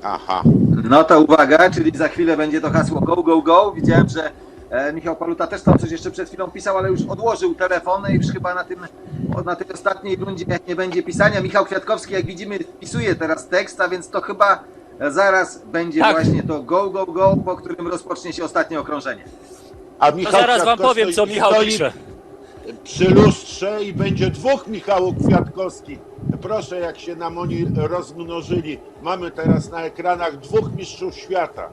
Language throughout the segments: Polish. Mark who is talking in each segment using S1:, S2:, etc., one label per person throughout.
S1: Aha.
S2: No to uwaga, czyli za chwilę będzie to hasło go, go, go. Widziałem, że Michał Paluta też tam coś jeszcze przed chwilą pisał, ale już odłożył telefon i już chyba na tej ostatniej rundzie nie będzie pisania. Michał Kwiatkowski, jak widzimy, wpisuje teraz tekst, a więc to chyba zaraz będzie właśnie to go, go, go, po którym rozpocznie się ostatnie okrążenie.
S1: A
S3: To
S1: Michał
S3: zaraz wam
S1: Kwiatkowski
S3: powiem, co Michał
S1: stoi
S3: pisze.
S1: przy lustrze i będzie dwóch Michałów Kwiatkowski. Proszę, jak się nam oni rozmnożyli. Mamy teraz na ekranach dwóch mistrzów świata.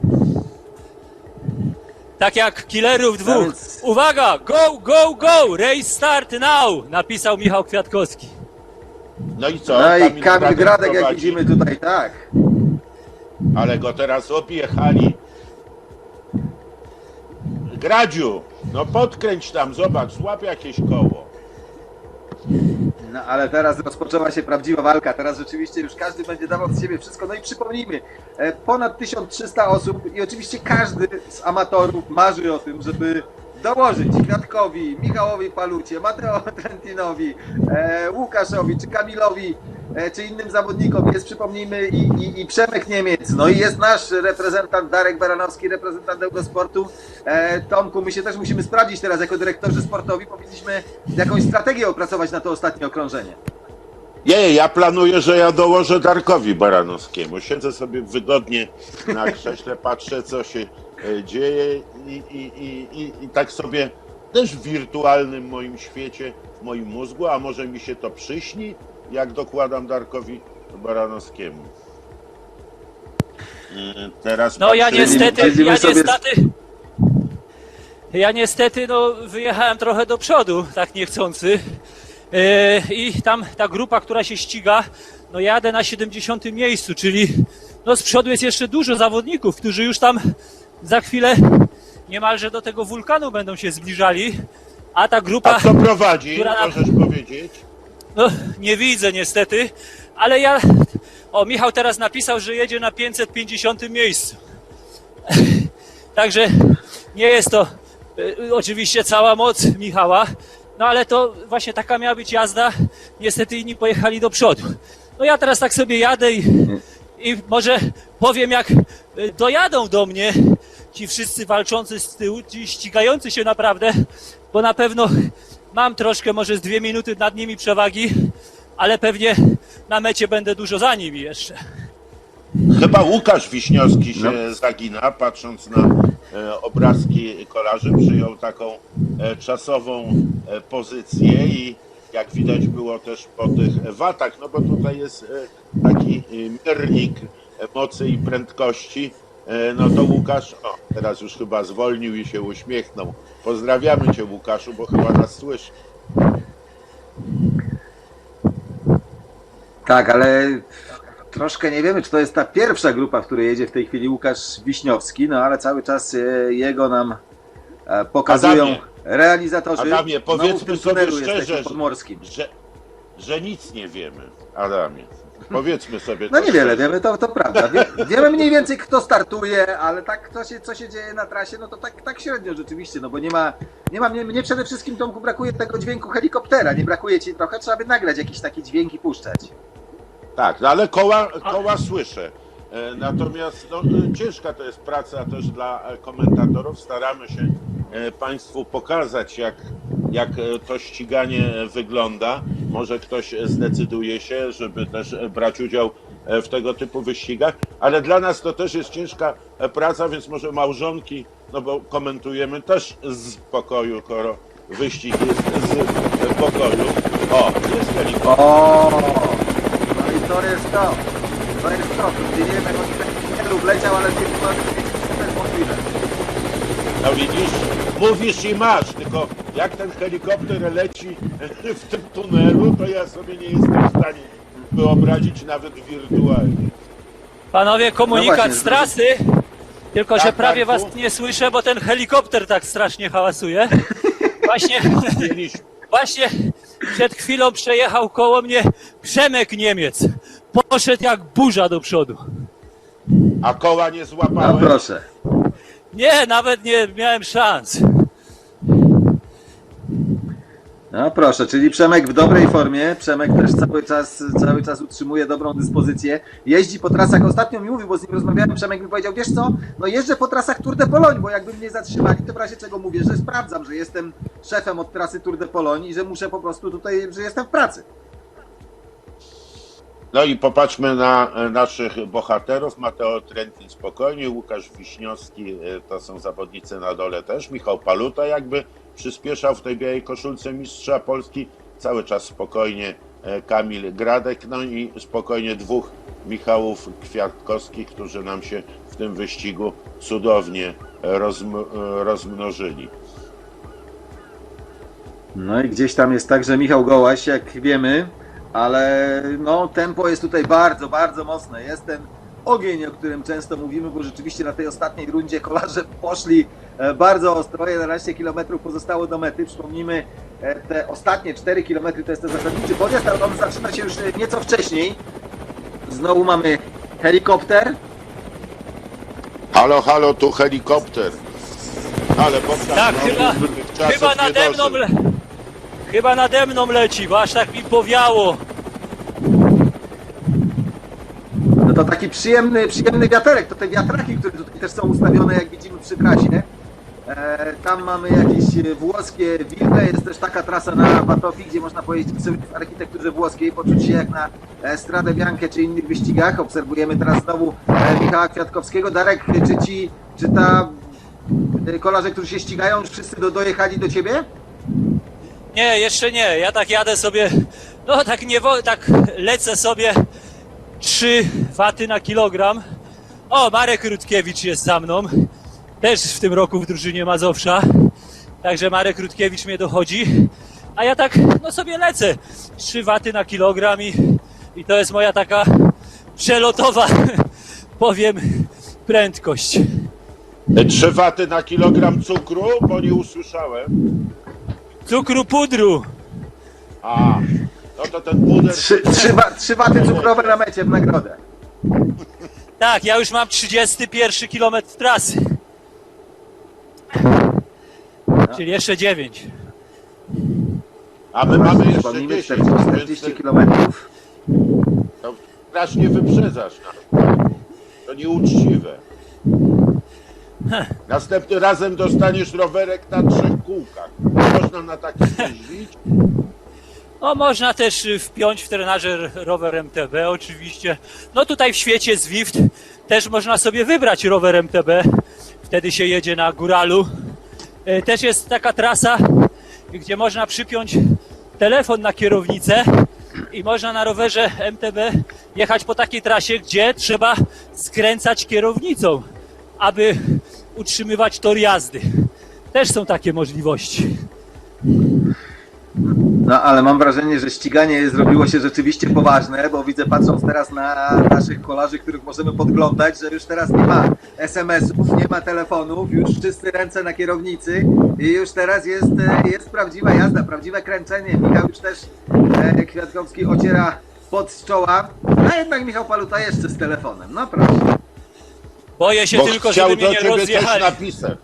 S3: Tak jak killerów dwóch.
S2: Więc-
S3: Uwaga! Go, go, go! Race start now! Napisał Michał Kwiatkowski.
S1: No i co?
S2: No i Kamil Gradek, jak
S1: prowadzi.
S2: widzimy tutaj, tak.
S1: Ale go teraz objechali. Gradziu, no podkręć tam, zobacz, złap jakieś koło.
S2: No ale teraz rozpoczęła się prawdziwa walka. Teraz rzeczywiście już każdy będzie dawał z siebie wszystko. No i przypomnijmy, ponad 1300 osób i oczywiście każdy z amatorów marzy o tym, żeby dołożyć Kwiatkowi, Michałowi Palucie, Mateo Trentinowi, Łukaszowi czy Kamilowi czy innym zawodnikom. Jest, przypomnijmy, i Przemek Niemiec, no i jest nasz reprezentant Darek Baranowski, reprezentant Eurosportu. Tomku, my się też musimy sprawdzić teraz jako dyrektorzy sportowi, powinniśmy jakąś strategię opracować na to ostatnie okrążenie.
S1: Nie, ja planuję, że ja dołożę Darkowi Baranowskiemu. Siedzę sobie wygodnie na krześle, patrzę, co się dzieje i tak sobie też w wirtualnym moim świecie, w moim mózgu, a może mi się to przyśni, jak dokładam Darkowi Baranowskiemu. Teraz
S3: No ja
S1: patrzę-
S3: niestety no, wyjechałem trochę do przodu, tak niechcący. I tam ta grupa, która się ściga, no jadę na 70. miejscu, czyli no z przodu jest jeszcze dużo zawodników, którzy już tam za chwilę niemalże do tego wulkanu będą się zbliżali, a ta grupa,
S1: A kto prowadzi,
S3: która
S1: możesz powiedzieć?
S3: no nie widzę niestety, ale ja, Michał teraz napisał, że jedzie na 550. miejscu. Także nie jest to oczywiście cała moc Michała, no ale to właśnie taka miała być jazda, niestety inni pojechali do przodu. No ja teraz tak sobie jadę i może powiem, jak dojadą do mnie ci wszyscy walczący z tyłu, ci ścigający się naprawdę, bo na pewno mam troszkę, może z 2 minuty nad nimi przewagi, ale pewnie na mecie będę dużo za nimi jeszcze.
S1: Chyba Łukasz Wiśniowski się zagina, patrząc na obrazki kolarzy, przyjął taką czasową pozycję i jak widać było też po tych watach, no bo tutaj jest taki miernik mocy i prędkości, no to Łukasz, teraz już chyba zwolnił i się uśmiechnął. Pozdrawiamy Cię, Łukaszu, bo chyba nas słyszy.
S2: Tak, ale troszkę nie wiemy, czy to jest ta pierwsza grupa, w której jedzie w tej chwili Łukasz Wiśniowski, no ale cały czas jego nam pokazują
S1: Adamie,
S2: realizatorzy.
S1: Adamie,
S2: Znowu w
S1: powiedzmy
S2: tym
S1: sobie
S2: tunelu
S1: szczerze,
S2: jesteśmy podmorskim.
S1: że nic nie wiemy, Adamie. Powiedzmy sobie
S2: No
S1: to
S2: niewiele
S1: szczerze.
S2: wiemy, to prawda. Wiemy mniej więcej, kto startuje, ale tak co się dzieje na trasie, no to tak średnio rzeczywiście, no bo mnie przede wszystkim, Tomku, brakuje tego dźwięku helikoptera, nie brakuje ci trochę, trzeba by nagrać jakiś taki dźwięk i puszczać.
S1: Tak, no ale koła słyszę. Natomiast no, ciężka to jest praca też dla komentatorów. Staramy się Państwu pokazać, jak to ściganie wygląda. Może ktoś zdecyduje się, żeby też brać udział w tego typu wyścigach, ale dla nas to też jest ciężka praca, więc może małżonki, no bo komentujemy też z pokoju, skoro wyścig jest z pokoju. O, jest helikopter.
S2: O, no i to jest to. To jest to, tu gdzie wiemy, on wleciał, ale to jest możliwe.
S1: No widzisz, mówisz i masz, tylko jak ten helikopter leci w tym tunelu, to ja sobie nie jestem w stanie wyobrazić nawet wirtualnie.
S3: Panowie, komunikat
S2: No właśnie,
S3: z trasy, tylko że
S1: Tak,
S3: prawie
S1: Darku?
S3: was nie słyszę, bo ten helikopter tak strasznie hałasuje. Właśnie przed chwilą przejechał koło mnie Przemek Niemiec. Poszedł jak burza do przodu.
S1: A koła nie
S2: No
S1: złapałem.
S2: proszę.
S3: Nie, nawet nie miałem szans.
S2: No proszę, czyli Przemek w dobrej formie. Przemek też cały czas utrzymuje dobrą dyspozycję. Jeździ po trasach. Ostatnio mi mówił, bo z nim rozmawiałem, Przemek mi powiedział, wiesz co, no jeżdżę po trasach Tour de Pologne, bo jakby mnie zatrzymali, to w razie czego mówię, że sprawdzam, że jestem szefem od trasy Tour de Pologne i że muszę po prostu tutaj, że jestem w pracy.
S1: No i popatrzmy na naszych bohaterów. Mateo Trentin spokojnie, Łukasz Wiśniowski, to są zawodnicy na dole też. Michał Paluta jakby przyspieszał w tej białej koszulce mistrza Polski. Cały czas spokojnie Kamil Gradek, no i spokojnie dwóch Michałów Kwiatkowskich, którzy nam się w tym wyścigu cudownie rozmnożyli.
S2: No i gdzieś tam jest także Michał Gołaś, jak wiemy, ale no tempo jest tutaj bardzo, bardzo mocne. Jest ten ogień, o którym często mówimy, bo rzeczywiście na tej ostatniej rundzie kolarze poszli bardzo ostro. 11 km pozostało do mety. Przypomnijmy, te ostatnie 4 km to jest ten zasadniczy podjazd, ale on zaczyna się już nieco wcześniej. Znowu mamy helikopter.
S1: Halo, halo, tu helikopter. Ale Bogdan
S3: Tak,
S1: tych czasów
S3: chyba
S1: nie
S3: nade mną,
S1: dożył.
S3: chyba nade mną leci, bo aż tak mi powiało.
S2: No to taki przyjemny wiaterek, to te wiatraki, które tutaj też są ustawione, jak widzimy przy trasie. Tam mamy jakieś włoskie wille, jest też taka trasa na Batofi, gdzie można pojeździć sobie w architekturze włoskiej, poczuć się jak na Stradę Bianche czy innych wyścigach. Obserwujemy teraz znowu Michała Kwiatkowskiego. Darek, czy kolarze, którzy się ścigają, już wszyscy dojechali do ciebie?
S3: Nie, jeszcze nie. Ja tak jadę sobie, no tak tak lecę sobie 3 waty na kilogram. O, Marek Rutkiewicz jest za mną. Też w tym roku w drużynie Mazowsza. Także Marek Rutkiewicz mnie dochodzi. A ja tak, no sobie lecę. 3 waty na kilogram i to jest moja taka przelotowa, powiem, prędkość.
S1: 3 waty na kilogram cukru, bo nie usłyszałem.
S3: Cukru pudru.
S1: A, no to ten puder...
S2: 3 waty cukrowe na mecie w nagrodę.
S3: Tak, ja już mam 31 kilometr trasy. Czyli jeszcze 9.
S1: A my mamy jeszcze
S2: Przypomnijmy,
S1: 10,
S2: 40
S1: więc
S2: kilometrów.
S1: to strasznie wyprzedzasz. To nieuczciwe. Następnym razem dostaniesz rowerek na 3 kółkach. Można na takim jeździć.
S3: No można też wpiąć w trenażer rower MTB oczywiście. No tutaj w świecie Zwift też można sobie wybrać rower MTB. Wtedy się jedzie na góralu. Też jest taka trasa, gdzie można przypiąć telefon na kierownicę i można na rowerze MTB jechać po takiej trasie, gdzie trzeba skręcać kierownicą, aby utrzymywać tor jazdy. Też są takie możliwości.
S2: No ale mam wrażenie, że ściganie zrobiło się rzeczywiście poważne, bo widzę, patrząc teraz na naszych kolarzy, których możemy podglądać, że już teraz nie ma SMS-ów, nie ma telefonów, już wszyscy ręce na kierownicy i już teraz jest prawdziwa jazda, prawdziwe kręcenie. Michał już też Kwiatkowski ociera pot z czoła, a jednak Michał Paluta jeszcze z telefonem. No proszę.
S3: Boję się
S1: Bo
S3: tylko,
S1: chciał
S3: żeby
S1: do
S3: mnie nie
S1: ciebie też
S3: rozjechali.
S1: napisać.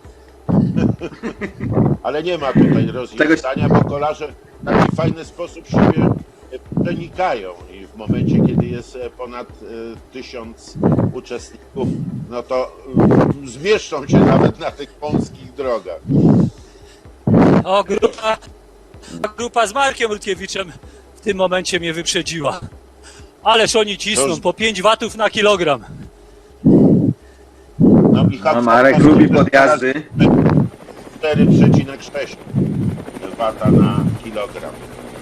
S1: Ale nie ma tutaj rozwiązania, bo kolarze w taki fajny sposób siebie przenikają i w momencie, kiedy jest ponad 1000 uczestników, no to zmieszczą się nawet na tych wąskich drogach.
S3: O, grupa z Markiem Rutkiewiczem w tym momencie mnie wyprzedziła. Ależ oni cisną po 5 watów na kilogram.
S1: No, i
S2: No, Marek lubi podjazdy.
S1: 4,6 wata na kilogram.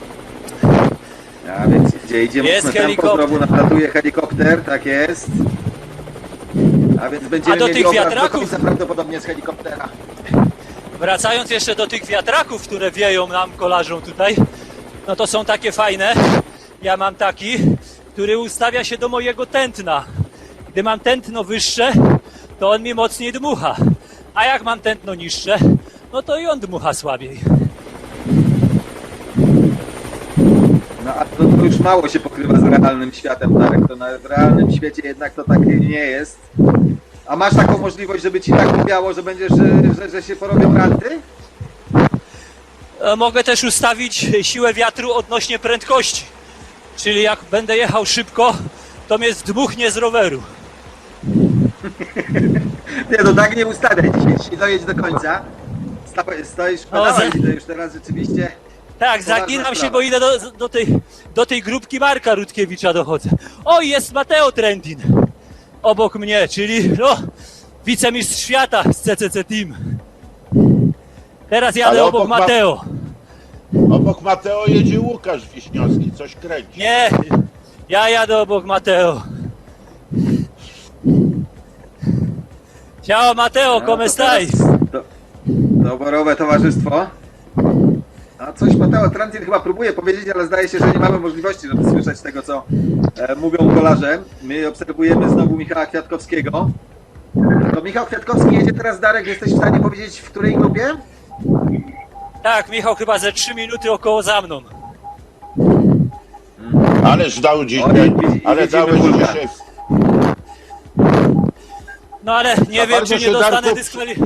S2: A więc idzie
S3: Jest
S2: mocno tempo,
S3: helikopter.
S2: znowu nalatuje helikopter, tak jest. A więc będziemy
S3: A do
S2: mieli
S3: tych
S2: obraz do
S3: wiatraków?
S2: końca prawdopodobnie z helikoptera.
S3: Wracając jeszcze do tych wiatraków, które wieją nam kolarzom tutaj, no to są takie fajne. Ja mam taki, który ustawia się do mojego tętna. Gdy mam tętno wyższe, to on mi mocniej dmucha. A jak mam tętno niższe, no to i on dmucha słabiej.
S2: No a to już mało się pokrywa z realnym światem, Darek. To w realnym świecie jednak to tak nie jest. A masz taką możliwość, żeby ci tak mówiało, że będziesz, że się porobią ranty?
S3: Mogę też ustawić siłę wiatru odnośnie prędkości. Czyli jak będę jechał szybko, to mnie zdmuchnie z roweru.
S2: Nie, no tak nie ustawiaj. Dzisiaj dojedź do końca. Stoisz w pedałach,
S3: za-
S2: widzę już teraz rzeczywiście.
S3: Tak,
S2: Poważna
S3: zaginam się,
S2: sprawa.
S3: bo idę do tej grupki Marka Rutkiewicza dochodzę. O, jest Matteo Trentin obok mnie, czyli no, wicemistrz świata z CCC Team. Teraz jadę
S1: Ale
S3: obok
S1: obok ma-
S3: Matteo.
S1: Obok Mateo jedzie Łukasz Wiśniowski, coś kręci.
S3: Nie, ja jadę obok Matteo. Ciao Matteo, come
S2: to
S3: stai?
S2: teraz doborowe towarzystwo. A coś Mateo Trentin chyba próbuje powiedzieć, ale zdaje się, że nie mamy możliwości, żeby słyszeć tego, co mówią kolarze. My obserwujemy znowu Michała Kwiatkowskiego. To Michał Kwiatkowski jedzie teraz, Darek, jesteś w stanie powiedzieć, w której grupie?
S3: Tak, Michał chyba ze 3 minuty około za mną.
S1: Ależ dał dzisiaj, ale
S2: widzimy
S1: dałeś
S2: Wulka.
S1: dzisiaj.
S3: No ale nie wiem,
S1: bardzo
S3: czy nie
S1: się,
S3: dostanę,
S1: Darku,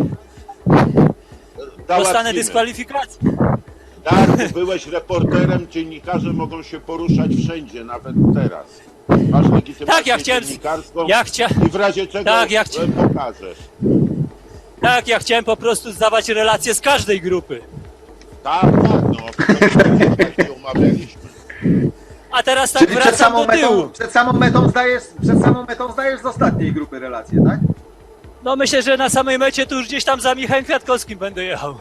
S3: dostanę
S1: Załatwimy.
S3: dyskwalifikacji.
S1: Tak, byłeś reporterem, dziennikarze mogą się poruszać wszędzie, nawet teraz. Masz legitymację
S3: Tak, ja chciałem-
S1: dziennikarską
S3: ja
S1: i w razie czego
S3: tak, ja
S1: pokażesz.
S3: Tak, ja chciałem po prostu zdawać relacje z każdej grupy.
S1: Tak, tak, no. Tak się umawialiśmy.
S3: A teraz tak
S2: Czyli
S3: wracam do tyłu.
S2: przed samą metą zdajesz z ostatniej grupy relacje, tak?
S3: No myślę, że na samej mecie to już gdzieś tam za Michałem Kwiatkowskim będę jechał.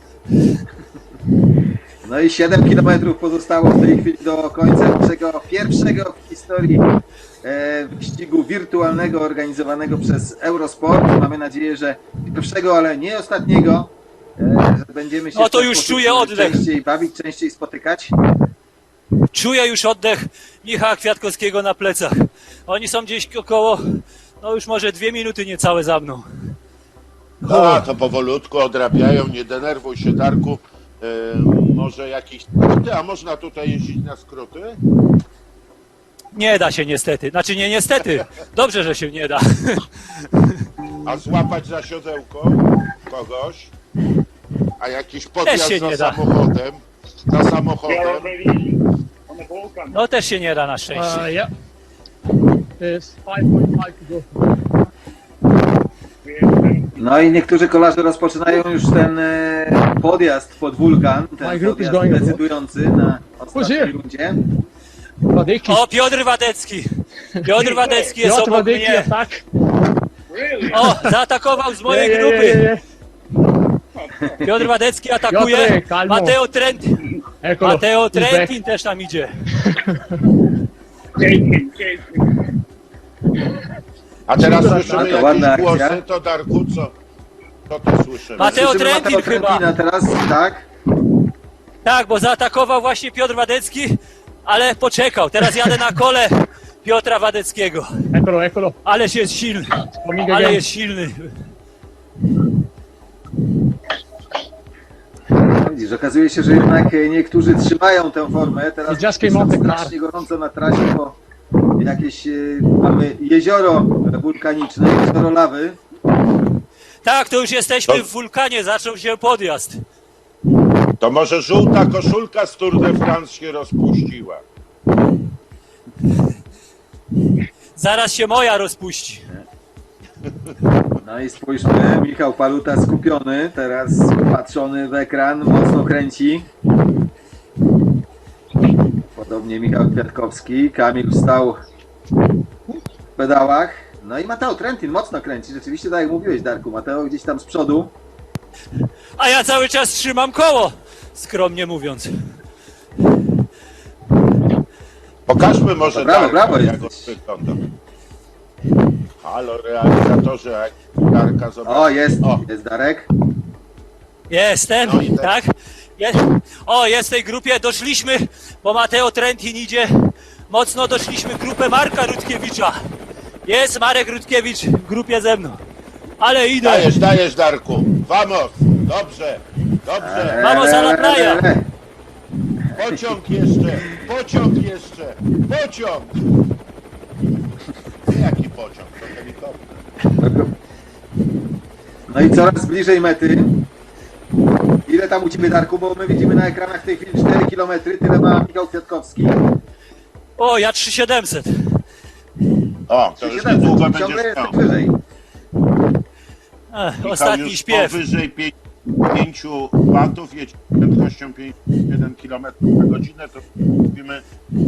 S2: No i 7 km pozostało w tej chwili do końca naszego pierwszego w historii wyścigu wirtualnego organizowanego przez Eurosport. Mamy nadzieję, że pierwszego, ale nie ostatniego. Że będziemy się
S3: No to
S2: w ten
S3: już
S2: sposób
S3: czuję oddech.
S2: częściej bawić, częściej spotykać.
S3: Czuję już oddech Michała Kwiatkowskiego na plecach. Oni są gdzieś około, no już może 2 minuty niecałe za mną.
S1: No, to powolutku odrabiają, nie denerwuj się, Darku. Może jakieś skróty, a można tutaj jeździć na skróty?
S3: Nie da się niestety. Znaczy nie niestety. Dobrze, że się nie da.
S1: A złapać za siodełko kogoś? A jakiś podjazd
S3: się
S1: za
S3: nie da.
S1: samochodem? Za
S4: We
S1: samochodem?
S4: are already on the Balkan.
S3: No też się nie da na szczęście.
S5: Yeah. There's 5.5 to go.
S4: We have
S2: No i niektórzy kolarze rozpoczynają już ten podjazd pod wulkan, ten
S5: My group is
S2: podjazd
S5: going abroad.
S2: decydujący na ostatniej
S5: here?
S2: rundzie.
S5: Wadecki.
S3: O, Piotr Wadecki. Piotr Wadecki jest
S5: Piotr
S3: obok
S5: Wadecki
S3: mnie.
S5: attack.
S4: really.
S3: O, zaatakował z mojej
S5: Yeah,
S3: grupy.
S5: yeah.
S3: Piotr Wadecki atakuje.
S5: Piotrek, calmo.
S3: Mateo Trentin.
S5: Eccolo.
S3: Mateo
S5: He's back.
S3: Trentin też tam idzie.
S4: Chase him.
S1: A teraz
S5: Super,
S1: słyszymy
S2: to ładna
S1: jakieś
S2: akcja.
S1: głosy, to Darku, co to słyszymy?
S3: Mateo
S2: Słyszymy
S3: Trentin
S2: Mateo
S3: chyba.
S2: Trentina teraz, tak?
S3: Tak, bo zaatakował właśnie Piotr Wadecki, ale poczekał. Teraz jadę na kole Piotra Wadeckiego.
S5: Eccolo.
S3: Ależ jest silny.
S5: Coming
S3: Ale
S5: again.
S3: jest silny.
S2: Widzisz, okazuje się, że jednak niektórzy trzymają tę formę. Teraz
S5: He just came off the car.
S2: strasznie gorąco na trasie, bo jakieś mamy jezioro wulkaniczne, jezioro lawy.
S3: Tak, to już jesteśmy w wulkanie, zaczął się podjazd.
S1: To może żółta koszulka z Tour de France się rozpuściła.
S3: Zaraz się moja rozpuści.
S2: No i spójrzmy, Michał Paluta skupiony, teraz patrzony w ekran, mocno kręci. Podobnie Michał Kwiatkowski, Kamil stał w pedałach. No i Mateo Trentin mocno kręci, rzeczywiście tak jak mówiłeś, Darku, Mateo gdzieś tam z przodu.
S3: A ja cały czas trzymam koło, skromnie mówiąc.
S1: Pokażmy może
S2: Brawo, brawo
S1: jak on
S2: jesteś.
S1: wygląda. Halo, realizatorze, jak Darka zobacz.
S2: O, jest
S1: O,
S2: Darek.
S3: Jestem,
S1: No i tak.
S3: tak? Jest w tej grupie, doszliśmy, bo Mateo Trentin idzie mocno, doszliśmy w grupę Marka Rutkiewicza. Jest Marek Rutkiewicz w grupie ze mną. Ale idę.
S1: dajesz Darku. Vamos, dobrze, dobrze.
S3: Vamos a la playa.
S1: Pociąg jeszcze, pociąg. Jaki pociąg? To helikopter.
S2: No i coraz bliżej mety. Ile tam u Ciebie, Darku? Bo my widzimy na ekranach w tej chwili 4 km, tyle ma Michał Kwiatkowski.
S3: O, ja 3700.
S1: O, to już
S2: 700,
S1: niedługo
S2: ciągle
S1: będziesz
S2: jesteś
S1: miał.
S2: wyżej.
S1: Michał
S3: Ostatni
S1: już
S3: śpiew.
S1: powyżej 5 watów, jedzie prędkością 1 km na godzinę, to mówimy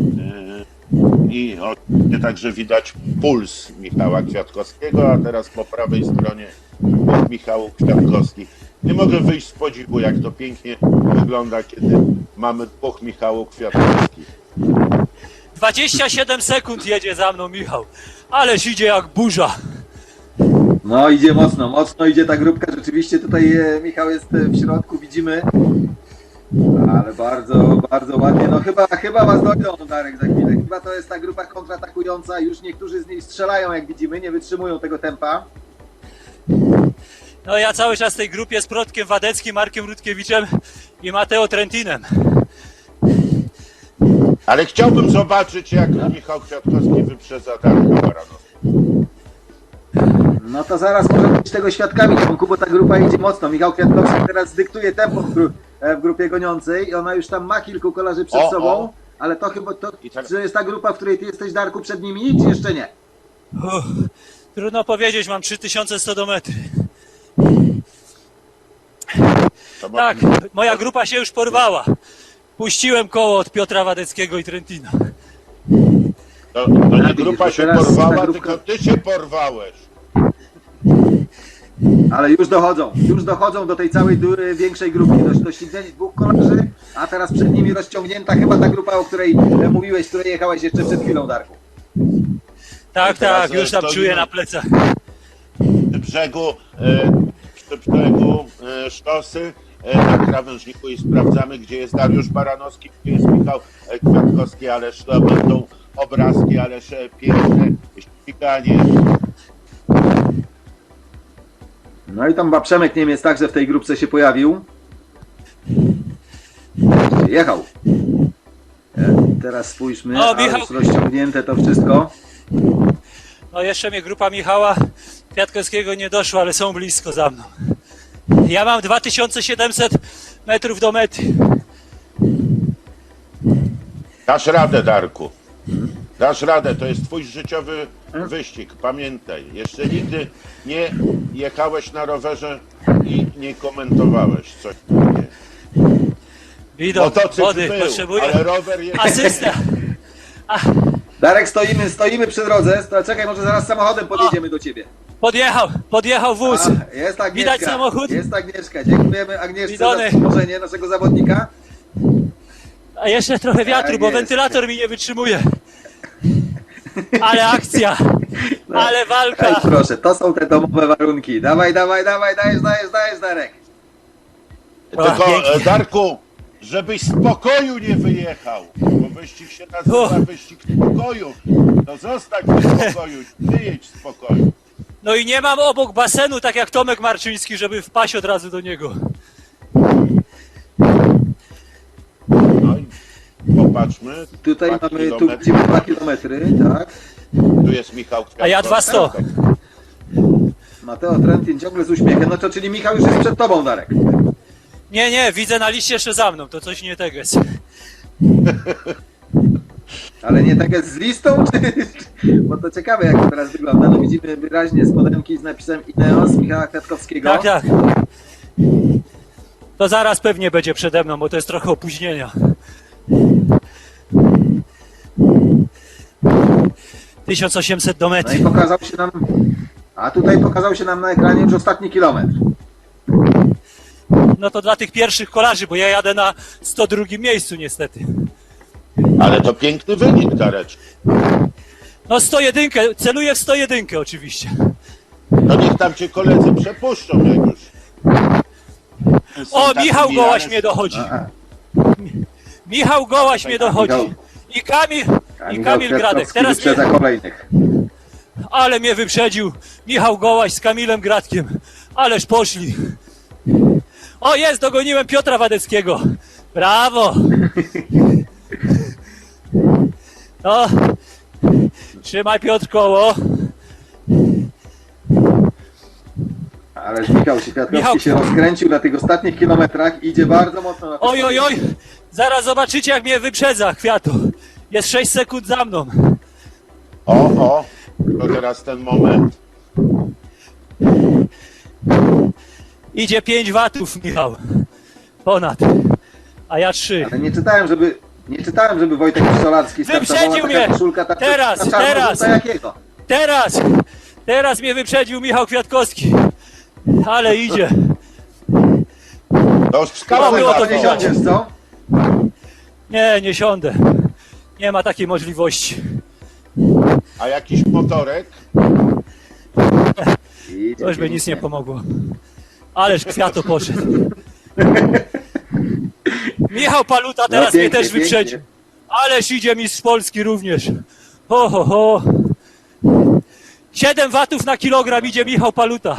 S1: i także widać puls Michała Kwiatkowskiego, a teraz po prawej stronie Michał Kwiatkowski. Nie mogę wyjść z podziwu, jak to pięknie wygląda, kiedy mamy dwóch Michałów Kwiatkowskich.
S3: 27 sekund jedzie za mną Michał. Ależ idzie jak burza.
S2: No idzie mocno, mocno idzie ta grupka. Rzeczywiście tutaj Michał jest w środku, widzimy. Ale bardzo, bardzo ładnie. No chyba was dojdą, Darek, za chwilę. Chyba to jest ta grupa kontratakująca. Już niektórzy z niej strzelają, jak widzimy, nie wytrzymują tego tempa.
S3: No ja cały czas w tej grupie z Protkiem Wadeckim, Markiem Rutkiewiczem i Mateo Trentinem.
S1: Ale chciałbym zobaczyć, jak Michał Kwiatkowski wyprzedza Darka Baranowskiego.
S2: No to zaraz możemy być tego świadkami, Tomku, bo ta grupa idzie mocno. Michał Kwiatkowski teraz dyktuje tempo w grupie goniącej i ona już tam ma kilku kolarzy przed
S1: O,
S2: sobą,
S1: o.
S2: ale to chyba to,
S1: I tak-
S2: czy jest ta grupa, w której ty jesteś, Darku, przed nimi, czy jeszcze nie?
S3: Trudno powiedzieć, mam 3100 do metry.
S1: To
S3: Tak, moja grupa się już porwała. Puściłem koło od Piotra Wadeckiego i Trentina.
S1: To nie
S2: widzisz,
S1: grupa
S2: bo
S1: się
S2: teraz
S1: porwała,
S2: ta grupka-
S1: tylko ty się porwałeś.
S2: Ale już dochodzą do tej całej większej grupy, do ścignięć dwóch kolarzy, a teraz przed nimi rozciągnięta chyba ta grupa, o której mówiłeś, z której jechałeś jeszcze przed chwilą, Darku.
S3: Tak,
S1: teraz
S3: tak, już tam
S1: stoimy.
S3: czuję na plecach.
S1: Przy brzegu szosy na krawężniku i sprawdzamy, gdzie jest Dariusz Baranowski, gdzie jest Michał Kwiatkowski, ależ to będą obrazki, ależ piękne ściganie.
S2: No i tam chyba Przemek Niemiec także w tej grupce się pojawił. Jechał. Teraz spójrzmy,
S3: O,
S2: ale
S3: Michał.
S2: już rozciągnięte to wszystko.
S3: No jeszcze mnie grupa Michała Kwiatkowskiego nie doszła, ale są blisko za mną. Ja mam 2700 metrów do mety.
S1: Dasz radę, Darku. Dasz radę, to jest twój życiowy wyścig. Pamiętaj, jeszcze nigdy nie jechałeś na rowerze i nie komentowałeś coś takiego.
S3: Widok,
S1: Motocykl
S3: wody
S1: był,
S3: potrzebuję.
S1: ale rower jest...
S3: Asysta.
S2: Darek, stoimy przy drodze. Czekaj, może zaraz samochodem podjedziemy do ciebie.
S3: Podjechał wóz.
S2: A, jest Agnieszka.
S3: Widać samochód?
S2: Jest Agnieszka. Dziękujemy Agnieszce
S3: Widony.
S2: za wspomożenie naszego zawodnika.
S3: A jeszcze trochę wiatru,
S2: Tak
S3: bo
S2: jest.
S3: wentylator mi nie wytrzymuje. Ale akcja, ale
S2: Ej,
S3: walka.
S2: proszę, to są te domowe warunki. Dawaj, dajesz, Darek.
S1: Tylko,
S3: pięknie.
S1: Darku, żebyś z pokoju nie wyjechał, bo wyścig się nazywa wyścig spokoju. To zostań w spokoju, wyjedź z pokoju.
S3: No i nie mam obok basenu, tak jak Tomek Marczyński, żeby wpaść od razu do niego.
S1: No i popatrzmy.
S2: Tutaj
S1: 2
S2: mamy, tu
S1: kilometry.
S2: widzimy 2 kilometry, tak.
S1: Tu jest Michał Kwiatkowski.
S3: A ja 200.
S2: Mateo Trentin ciągle z uśmiechem. No to czyli Michał już jest przed tobą, Darek.
S3: Nie, widzę na liście jeszcze za mną, to coś nie tego jest.
S2: Ale nie tak jest z listą, czy... Bo to ciekawe, jak to teraz wygląda. No widzimy wyraźnie spodenki z napisem Ineos Michała Kwiatkowskiego.
S3: Tak. To zaraz pewnie będzie przede mną, bo to jest trochę opóźnienia. 1800 do
S2: No i
S3: mety.
S2: pokazał się nam... A tutaj pokazał się nam na ekranie już ostatni kilometr.
S3: No to dla tych pierwszych kolarzy, bo ja jadę na 102 miejscu niestety.
S1: Ale to piękny wynik, Dareczku.
S3: No 101, celuję w 101 oczywiście.
S1: No niech tam cię koledzy przepuszczą, jak już. Są
S3: O,
S1: tacy
S3: Michał
S1: mijane.
S3: Gołaś mnie dochodzi.
S2: A,
S3: Michał Gołaś mnie dochodzi.
S2: Michał.
S3: I Kamil Gradek.
S2: Kwiatkowski
S3: Teraz
S2: wyprzedza
S3: mnie,
S2: kolejnych.
S3: ale mnie wyprzedził Michał Gołaś z Kamilem Gradkiem. Ależ poszli. O, jest, dogoniłem Piotra Wadeckiego. Brawo. No, trzymaj Piotr koło.
S2: Ale Michał Kwiatkowski
S3: Michał-
S2: się rozkręcił na tych ostatnich kilometrach, idzie bardzo mocno na te
S3: Oj, oj, oj! Zaraz zobaczycie, jak mnie wyprzedza Kwiatu. Jest 6 sekund za mną.
S1: O, to teraz ten moment.
S3: Idzie 5 watów, Michał. Ponad. A ja 3.
S2: Ale nie czytałem, żeby Wojtek Solarski
S3: Wyprzedził
S2: startowała taka
S3: mnie!
S2: koszulka ta
S3: Teraz,
S2: ta czarno-żółta
S3: teraz!
S2: jakiego?
S3: Teraz mnie wyprzedził Michał Kwiatkowski. Ale idzie.
S1: To już
S3: Mało było to
S2: Nie
S3: widać.
S2: siądziesz, co?
S3: Nie siądę. Nie ma takiej możliwości.
S1: A jakiś motorek?
S2: Idzie
S3: To już by nic
S2: pięknie.
S3: nie pomogło. Ależ Kwiato poszedł. Michał Paluta teraz
S2: No, pięknie,
S3: mnie też
S2: pięknie.
S3: wyprzedził. Ależ idzie mistrz Polski również. Ho, ho, ho. 7 watów na kilogram idzie Michał Paluta.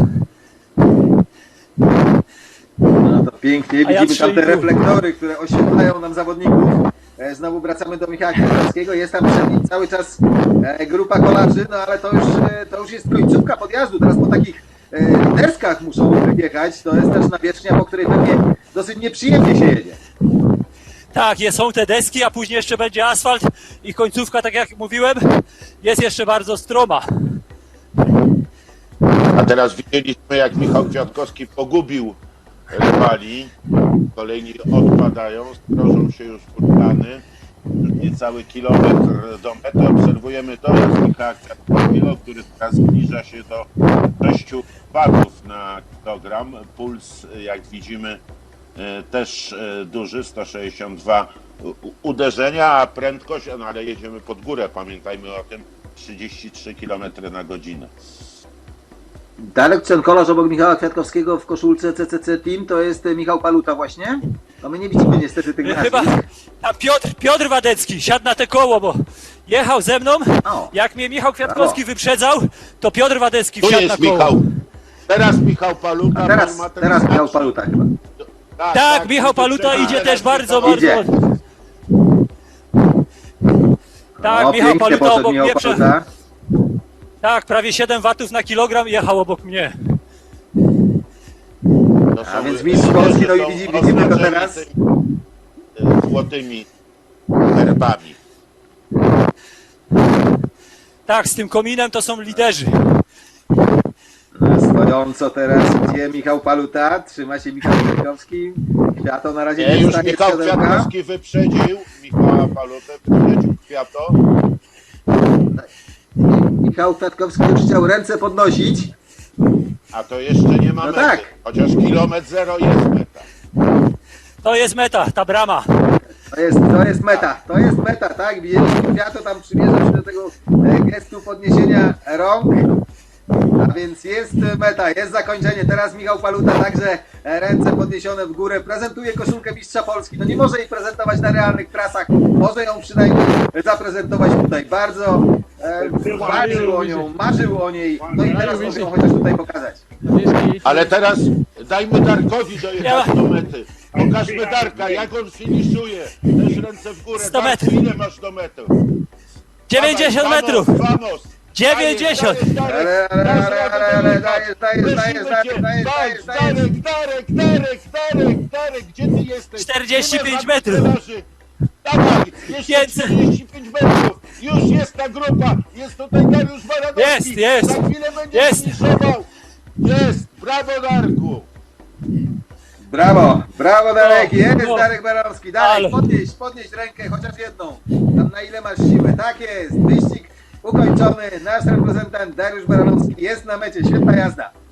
S2: No to pięknie,
S3: A ja
S2: widzimy tam te
S3: 3,5.
S2: reflektory, które oświetlają nam zawodników. Znowu wracamy do Michała Kwiatkowskiego, jest tam przed nim cały czas grupa kolarzy, no ale to już jest końcówka podjazdu, teraz po takich deskach muszą jechać, to jest też nawierzchnia, po której pewnie dosyć nieprzyjemnie się jedzie.
S3: Tak, są te deski, a później jeszcze będzie asfalt i końcówka, tak jak mówiłem, jest jeszcze bardzo stroma.
S1: A teraz widzieliśmy, jak Michał Kwiatkowski pogubił rywali. Kolejni odpadają, strożą się już furtany. Już niecały kilometr do mety. Obserwujemy dojazd Michała Kwiatkowskiego, który teraz zbliża się do 6 watów na kilogram. Puls, jak widzimy, też duży, 162 uderzenia, a prędkość, no ale jedziemy pod górę, pamiętajmy o tym, 33 km na godzinę.
S2: Darek, ten kolarz obok Michała Kwiatkowskiego w koszulce CCC Team, to jest Michał Paluta właśnie? No my nie widzimy niestety tych
S3: Chyba
S2: nazwisk.
S3: a Piotr Wadecki siadł na te koło, bo jechał ze mną.
S2: O.
S3: Jak mnie Michał Kwiatkowski wyprzedzał, to Piotr Wadecki
S1: Tu
S3: wsiadł na
S1: jest
S3: koło.
S1: Michał. Teraz Michał Paluta.
S2: A
S1: pan ma ten
S2: teraz Michał
S1: znacznik.
S2: Paluta chyba.
S3: Tak, Michał Paluta idzie
S1: teraz
S3: też bardzo,
S1: Michał-
S2: Idzie.
S3: bardzo. Tak,
S2: O,
S3: Michał
S2: pięknie
S3: Paluta
S2: poszedł
S3: obok
S2: Michał
S3: mnie.
S2: Paluta.
S3: Tak, prawie 7 watów na kilogram jechał obok mnie.
S1: To są
S2: A więc mistrz Polski, no i widzimy go teraz.
S1: tymi, złotymi herbami.
S3: Tak, z tym kominem to są liderzy.
S2: Stojąco teraz idzie Michał Paluta, trzyma się Michał Kwiatkowski. Kwiato na razie
S1: Nie,
S2: nie
S1: już
S2: wstanie z
S1: Michał
S2: siodełka.
S1: Kwiatkowski wyprzedził Michała Palutę, wyprzedził Kwiato.
S2: Michał Kwiatkowski już chciał ręce podnosić.
S1: A to jeszcze nie ma
S2: No
S1: mety.
S2: tak.
S1: Chociaż kilometr 0 jest meta.
S3: To jest meta, ta brama.
S2: To jest meta, tak? Widzieliśmy Kwiato tam przymierza się do tego gestu podniesienia rąk. A więc jest meta, jest zakończenie. Teraz Michał Paluta także ręce podniesione w górę. Prezentuje koszulkę mistrza Polski. No nie może jej prezentować na realnych trasach. Może ją przynajmniej zaprezentować tutaj. Bardzo marzył o niej. No i teraz może ją chociaż tutaj pokazać.
S1: Ale teraz dajmy Darkowi dojechać do mety. Pokażmy Darka, jak on finiszuje. Też ręce w górę.
S3: 100
S1: Darku,
S3: metrów.
S1: ile masz do mety?
S3: 90
S1: Dawaj,
S3: metrów.
S1: Vamos.
S3: 90.
S1: Darek, gdzie ty jesteś?
S3: 45
S1: Nie ma
S3: metrów.
S1: żadnych Dawaj, jeszcze
S3: 500.
S1: 45 metrów. Już jest ta grupa. Jest tutaj Dariusz Baranowski.
S3: Jest.
S1: Za chwilę będzie
S3: Jest.
S1: finiszował. Jest. Brawo, Darku.
S2: Brawo Darek, jest
S3: No.
S2: Darek Baranowski. Darek,
S3: Ale.
S2: podnieś rękę, chociaż jedną. Tam na ile masz siłę. Tak jest, wyścig ukończony. Nasz reprezentant Dariusz Baranowski jest na mecie. Świetna jazda.